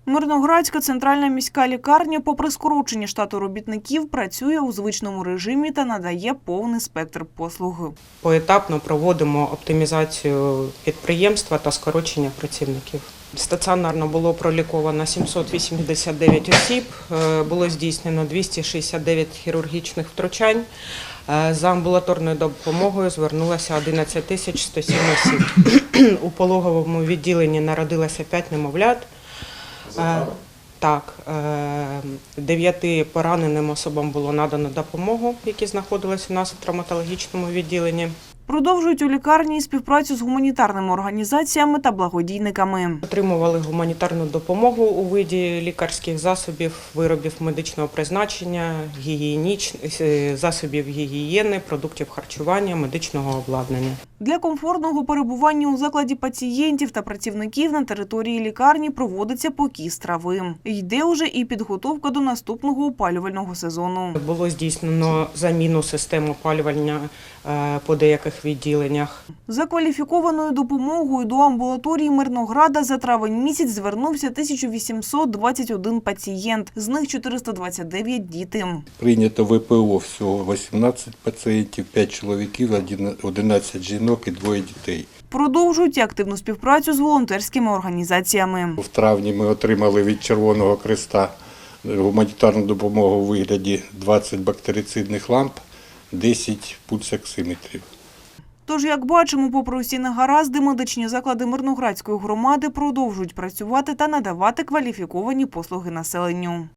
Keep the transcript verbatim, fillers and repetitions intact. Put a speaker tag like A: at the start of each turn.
A: Мирноградська центральна міська лікарня, попри скорочення штату робітників, працює у звичному режимі та надає повний спектр послуг.
B: Поетапно проводимо оптимізацію підприємства та скорочення працівників. Стаціонарно було проліковано сімсот вісімдесят дев'ять осіб, було здійснено двісті шістдесят дев'ять хірургічних втручань. За амбулаторною допомогою звернулося одинадцять тисяч сто сім осіб. У пологовому відділенні народилося п'ять немовлят. Так, дев'яти пораненим особам було надано допомогу, які знаходилися у нас у травматологічному відділенні.
A: Продовжують у лікарні співпрацю з гуманітарними організаціями та благодійниками.
B: Отримували гуманітарну допомогу у виді лікарських засобів, виробів медичного призначення, гігієніч... засобів гігієни, продуктів харчування, медичного обладнання.
A: Для комфортного перебування у закладі пацієнтів та працівників на території лікарні проводиться покіс трави. Йде уже і підготовка до наступного опалювального сезону.
B: Було здійснено заміну систем опалювання по деяких відділеннях.
A: За кваліфікованою допомогою до амбулаторії Мирнограда за травень місяць звернувся тисяча вісімсот двадцять один пацієнт, з них чотириста двадцять дев'ять – діти.
C: Прийнято в ВПО всього вісімнадцять пацієнтів, п'ять чоловіків, одинадцять жінок і двоє дітей.
A: Продовжують активну співпрацю з волонтерськими організаціями.
C: В травні ми отримали від Червоного Хреста гуманітарну допомогу у вигляді двадцять бактерицидних ламп, десять пульсоксиметрів.
A: Тож, як бачимо, попри усі негаразди, медичні заклади Мирноградської громади продовжують працювати та надавати кваліфіковані послуги населенню.